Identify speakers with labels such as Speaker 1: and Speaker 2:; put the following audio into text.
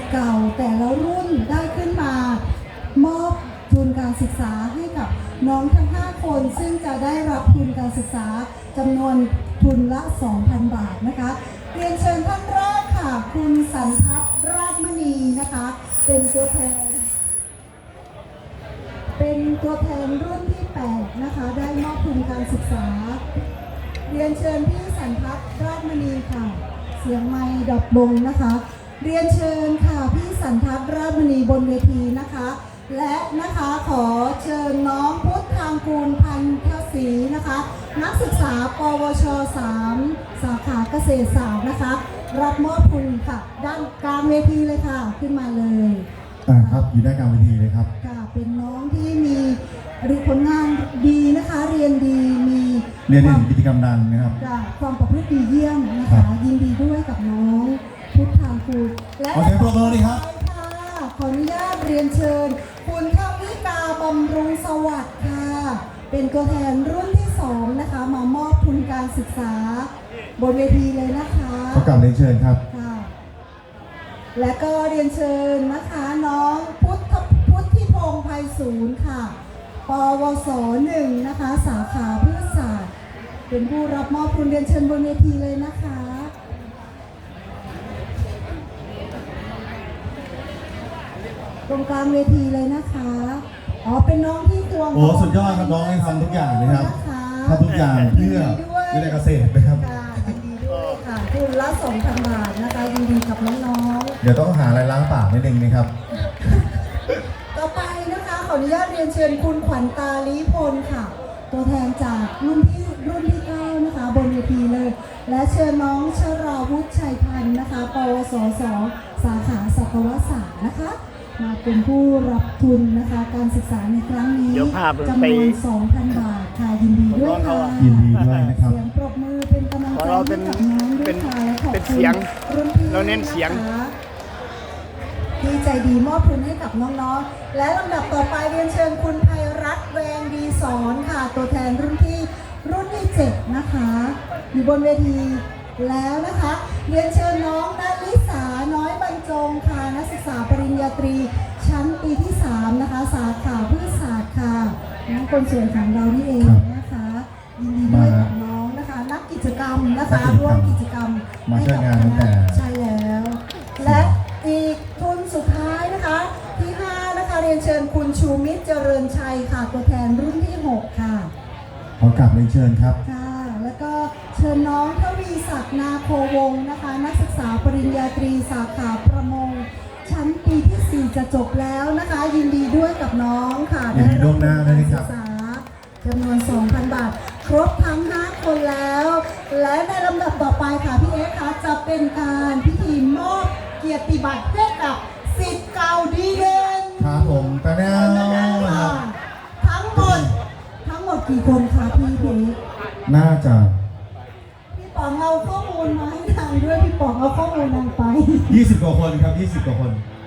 Speaker 1: เก่าแต่ละรุ่นได้ขึ้นมามอบทุนการศึกษาให้กับน้องทั้ง5คนซึ่งจะได้รับทุนการศึกษาจำนวนทุนละ 2,000 บาทนะคะเรียนเชิญท่านแรกค่ะคุณสันทัศน์ราชมณีนะคะเป็นตัวแทนรุ่นที่8นะคะได้มอบทุนการศึกษาเรียนเชิญพี่สันทัศน์ราชมณีค่ะเสียงไมค์ดับลงนะคะเรียนเชิญค่ะพี่สันทัศน์ราชมณีบนเวทีนะคะและนะคะขอเชิญน้องพุทธทางกูลพันธศรีนะคะนักศึกษาปวช3สาขาเกษตรศาสตร์นะคะรับมอบทุนค่ะด้านกลางเวทีเลยค่ะขึ้นมาเลย
Speaker 2: ครับอยู่ด้านกลางเวทีเลยครับ
Speaker 1: ค่ะเป็นน้องที่มีผลงานดีนะคะเรียนดีมี
Speaker 2: กิจกรรมดังนะครับ
Speaker 1: ความประพฤติดีเยี่ยมนะคะยินดีด้วยกับน้องพุทธทางกูล
Speaker 2: และขอเสียงปรบมือเลยครับ
Speaker 1: ขออนุญาตเรียนเชิญคุณทวิกาบำรุงสวัสดิ์ค่ะเป็นตัวแทนรุ่นที่2นะคะมามอบทุนการศึกษาบนเวทีเลยนะคะ
Speaker 2: ขอกราบเรียนเชิญครับ
Speaker 1: ค่ะและก็เรียนเชิญนะคะน้องพุทธิพงษ์ไพศาลค่ะปวส1นะคะสาขาพืชศาสตร์เป็นผู้รับมอบทุนเรียนเชิญบนเวทีเลยนะคะตรงกลางเวทีเลยนะคะเป็นน้องที่ตัว
Speaker 2: สุดยอดครับน้องให้ทำทุกอย่างนะครับทำทุกอย่างเพื่อวิทยาเกษตรนะครับ
Speaker 1: ยินดีด้วยค่ะทุนละ 2,000 บาทนะคะยินดีกับน้อง
Speaker 2: ๆเดี๋ยวต้องหาอะไรล้างปากนิดนึงนะครับ
Speaker 1: ต่อไปนะคะขออนุญาตเรียนเชิญคุณขวัญตาลีพลค่ะตัวแทนจากรุ่นที่9นะคะบนเวทีเลยและเชิญน้องชราวุฒิชัยพันธ์นะคะปวส2สาขาสัตวศาสตร์นะคะมาเป็นผู้รับทุนนะคะการศึกษาในครั้งนี้จำนวน 2,000 บาทค่ะยินดีด้วยค่ะ
Speaker 2: ยินดีด้วยนะครับ
Speaker 1: เสียงปรบมือเป็นกำลังใจให้กับน้องด้วยค่ะและขอบคุณรุ่นพี่
Speaker 3: เราเน้นเสียง
Speaker 1: ที่ใจดีมอบทุนให้กับน้องๆและลำดับต่อไปเรียนเชิญคุณไพรัตน์แวงดีสอนค่ะตัวแทนรุ่นที่7นะคะอยู่บนเวทีแล้วนะคะเรียนเชิญน้องณลิสาน้อยบรรจงค่ะนักศึกษาปริญญาตรีชั้นปีที่3นะคะสาขาพืชศาสตร์ค่ะน้องคนสวยของเรานี่เองนะคะยินดีด้วยกับน้องนะคะนักกิจกรรมนะคะร่วมกิจกรรม
Speaker 2: มาช่วยงานตั้งแต่
Speaker 1: ใช่แล้วและอีกทุนสุดท้ายนะคะที่5นะคะเรียนเชิญคุณชูมิตรเจริญชัยค่ะตัวแทนรุ่นที่6ค่ะ
Speaker 2: ขอกลับเรียนเชิญครับ
Speaker 1: ค่ะแล้วก็เชิญน้องทวีศักดิ์นาโควงศ์นะคะนักศึกษาปริญญาตรีสาขาประมงชั้นปีที่4จะจบแล้วนะคะยินดีด้วยกับน้องค่ะ
Speaker 2: ยินดีล่วงหน้าด้วยครับ
Speaker 1: จำนวน 2,000 บาทครบทั้ง5คนแล้วและในลำดับต่อไปค่ะพี่เอ๊คะจะเป็นการพิธีมอบเกียรติบัตรให้กับศิษย์เก่าดีเด่น
Speaker 2: ครับผมแต่แน่นอน
Speaker 1: ทั้งหมดกี่คนคะพี่เอ๊
Speaker 2: น่าจะ
Speaker 1: พี่ป๋องเอาข้อมูลมาให้ทางด้วยพี่ป๋องเอาข้อมูลนางไป
Speaker 2: 20 กว่าคนครับ20 กว่าคน